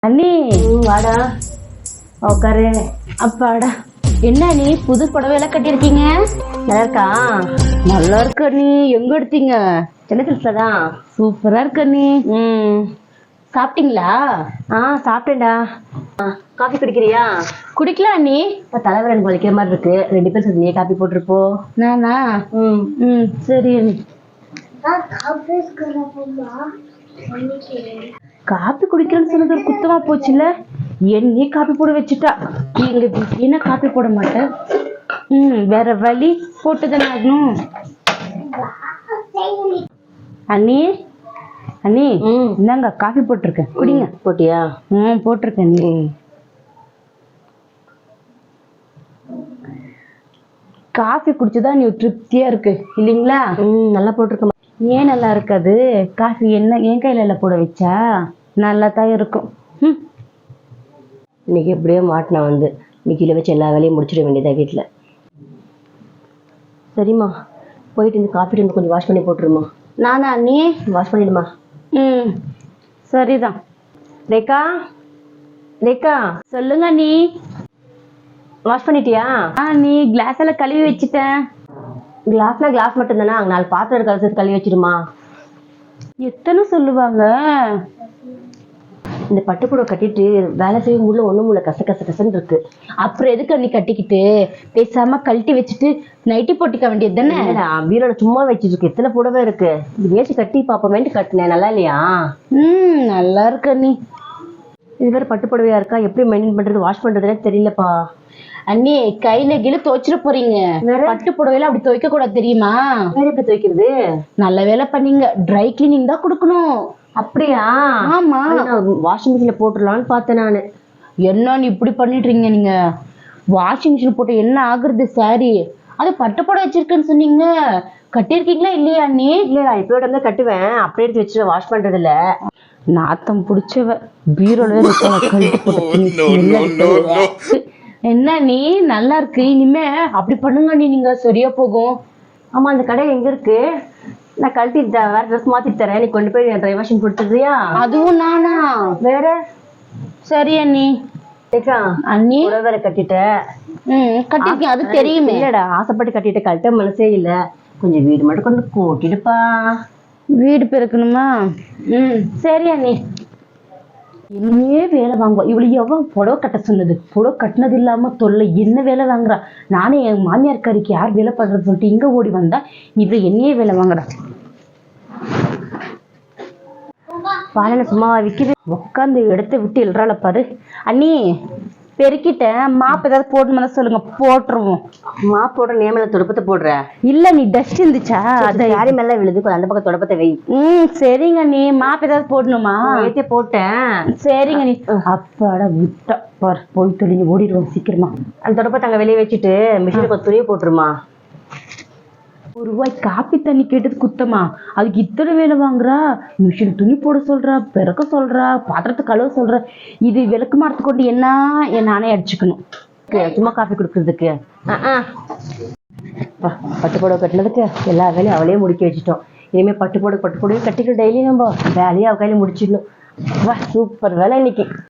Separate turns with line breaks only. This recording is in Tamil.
அண்ணி
வாடா
உக்காரு. அப்பாடா, என்ன நீ புது புடவையெல்லாம் கட்டியிருக்கீங்க?
நல்லா இருக்கா?
நல்லா இருக்க நீ. எங்க எடுத்தீங்க?
சின்ன சிறுசுல தான்.
சூப்பரா இருக்க நீ. சாப்பிட்டீங்களா?
சாப்பிட்டேன்டா. காஃபி குடிக்கிறியா?
குடிக்கலாம் அண்ணி.
இப்போ தலைவர் எனக்கு வலிக்கிற மாதிரி இருக்கு, 2 பேர் சேர்ந்து நீயே காஃபி போட்டிருப்போ.
நானா? சரி அண்ணி. காப்பி குடிக்கிறேன்னு சொன்னது ஒரு குத்தமா போச்சுல. என்னையே காப்பி போட வச்சுட்டா. எங்க வீட்டுல காப்பி போட மாட்டேன். வேற வழி போட்டுதானே ஆகணும். அண்ணி அண்ணி, இந்தாங்க காஃபி போட்டிருக்கேன், குடிங்க.
போட்டியா?
போட்டிருக்கேன் நீ. காஃபி குடிச்சுதான் நீ திருப்தியா இருக்கு இல்லைங்களா?
நல்லா போட்டிருக்க.
ஏன் நல்லா இருக்காது? காஃபி என்ன என் கையில போட வச்சா நல்லா தான் இருக்கும்.
இன்னைக்கு எப்படியோ மாட்டினா வந்து இன்னைக்கு வச்சு எல்லா வேலையும் முடிச்சிட வேண்டியதா வீட்டில். சரிம்மா, போயிட்டு இந்த காஃபி டீம் கொஞ்சம் வாஷ் பண்ணி போட்டுருமா.
நானா நீ?
வாஷ் பண்ணிடுமா.
சரிதான்.
ரேகா, ரேகா
சொல்லுங்க நீ.
வாஷ் பண்ணிட்டியா?
நீ கிளாஸ் எல்லாம் கழுவி வச்சுட்டேன்.
கிளாஸ் மட்டும் தானே, அங்கே 4 பாத்திரம் இருக்க சேர்த்து கழுவி வச்சிருமா.
எத்தனை சொல்லுவாங்க?
இந்த பட்டுப்புடவை கட்டிட்டு வேலை செய்யும் உள்ள ஒண்ணும் உள்ள கசன்னு இருக்கு.
அப்புறம் எதுக்கு நீ கட்டிக்கிட்டு பேசாம கழட்டி வச்சுட்டு நைட்டி போட்டிக்க வேண்டியது தானே?
பீரோல சும்மா வச்சிட்டு இருக்கு, எத்தனை புடவை இருக்கு. இது வேச்சு கட்டி பாப்போமேன்ட்டு கட்டினேன். நல்லா இல்லையா?
நல்லா இருக்க நீ.
இது வேற பட்டு புடவையா இருக்கா, எப்படி மெயின்டைன் பண்றது, வாஷ் பண்றதுனே தெரியலப்பா.
அண்ணி, கையில கீழே துவைச்சிட போறீங்க. பட்டு புடவையில அப்படி துவைக்க கூடாது தெரியுமா?
வேற எப்படி துவைக்கிறது?
நல்ல வேலை பண்ணீங்க, ட்ரை கிளீனிங் தான் கொடுக்கணும்.
அப்படியா?
ஆமா.
வாஷிங் மிஷின்ல போட்டுடலான்னு பார்த்தேன் நானு.
என்ன நீ இப்படி பண்ணிடுறீங்க? நீங்க வாஷிங் மிஷின் போட்டு என்ன ஆகுறது? சாரி, அது பட்டு புடவை வச்சிருக்கேன்னு சொன்னீங்க, கட்டியிருக்கீங்களா இல்லையா அண்ணி?
இல்லடா, இப்போட தான் கட்டுவேன், அப்படியே எடுத்து வச்சு வாஷ் பண்றது இல்ல.
நாத்தம் பிடிச்சவ பீரோல என்ன நீ? நல்லா இருக்கு. இனிமே அப்படி பண்ணுங்க நீ, நீங்க சரியா போகும்.
ஆமா, அந்த கடை எங்க இருக்கு? நான் கழட்டி வேற ட்ரெஸ் மாத்தி தரேன், நீ கொண்டு போய் ட்ரை வாஷிங் கொடுத்துறியா?
அதுவும் நானா?
வேற?
சரி அண்ணி.
அண்ணி வேற கட்டிட்ட.
கட்டிருக்கேன், அது தெரியுமே.
இல்லடா, ஆசைப்பட்டு கட்டிட்ட, கட்ட மனசே இல்ல. கொஞ்சம் வீடு மட்டும் கொண்டு கூட்டிடுப்பா.
வீடு பெருக்கணுமா? சரி அண்ணி. என்னையே வேலை வாங்குவா இவளுக்கு. எவ்வளவு புடவை கட்ட சொன்னது, புடவை கட்டினது இல்லாம தொல்லை. என்ன வேலை வாங்குறா? நானே என் மாமியார் காரிக்கு யார் வேலை பண்றது சொல்லிட்டு இங்க ஓடி வந்தா, இவ என்னையே வேலை வாங்குறா.
பாலனை சும்மாவா விக்குது?
உட்காந்து இடத்த விட்டு எழுறாள பாரு. அண்ணி, பெருக்கிட்டேன். மாப்பு ஏதாவது போடணுமா சொல்லுங்க, போட்டுருவோம்.
மாப்பு போடுற நேமில துடுப்பத்தை போடுற?
இல்ல, நீ டஸ்ட் இருந்துச்சா,
அது யாரி மேல விழுது, அந்த பக்கம் துடுப்பத்தை வை.
சரிங்க நீ. மாப்பு ஏதாவது போடணுமா?
ஏத்தே போட்டேன்.
சரிங்க நீ. அப்பாடா விட்டா பாரு, போய் தொழிஞ்சு ஓடிடுவோம் சீக்கிரமா.
அந்த துடுப்பத்தை அங்க வெளியே வச்சுட்டு மிஷினுக்கு ஒரு துணியை போட்டுருமா.
₹1 காப்பி தண்ணி கேட்டது குத்தமா? அதுக்கு இத்தனை வேலை வாங்குறா. மிஷின் துணி போட சொல்றா, பிறக்க சொல்றா, பாத்திரத்தை கழுவ சொல்றா. இது விளக்கு மாறத்து கொண்டு என்ன நானே அடிச்சுக்கணும்
சும்மா காஃபி குடுக்கறதுக்கு. பட்டு புடவை கட்டினதுக்கு எல்லா வேலையும் அவளே முடிக்க வச்சுட்டோம். இனிமே பட்டு புடவை கட்டிட்டு டெய்லி நம்ம வேலையை அவ கையில முடிச்சிடணும். வா, சூப்பர் வேலை இன்னைக்கு.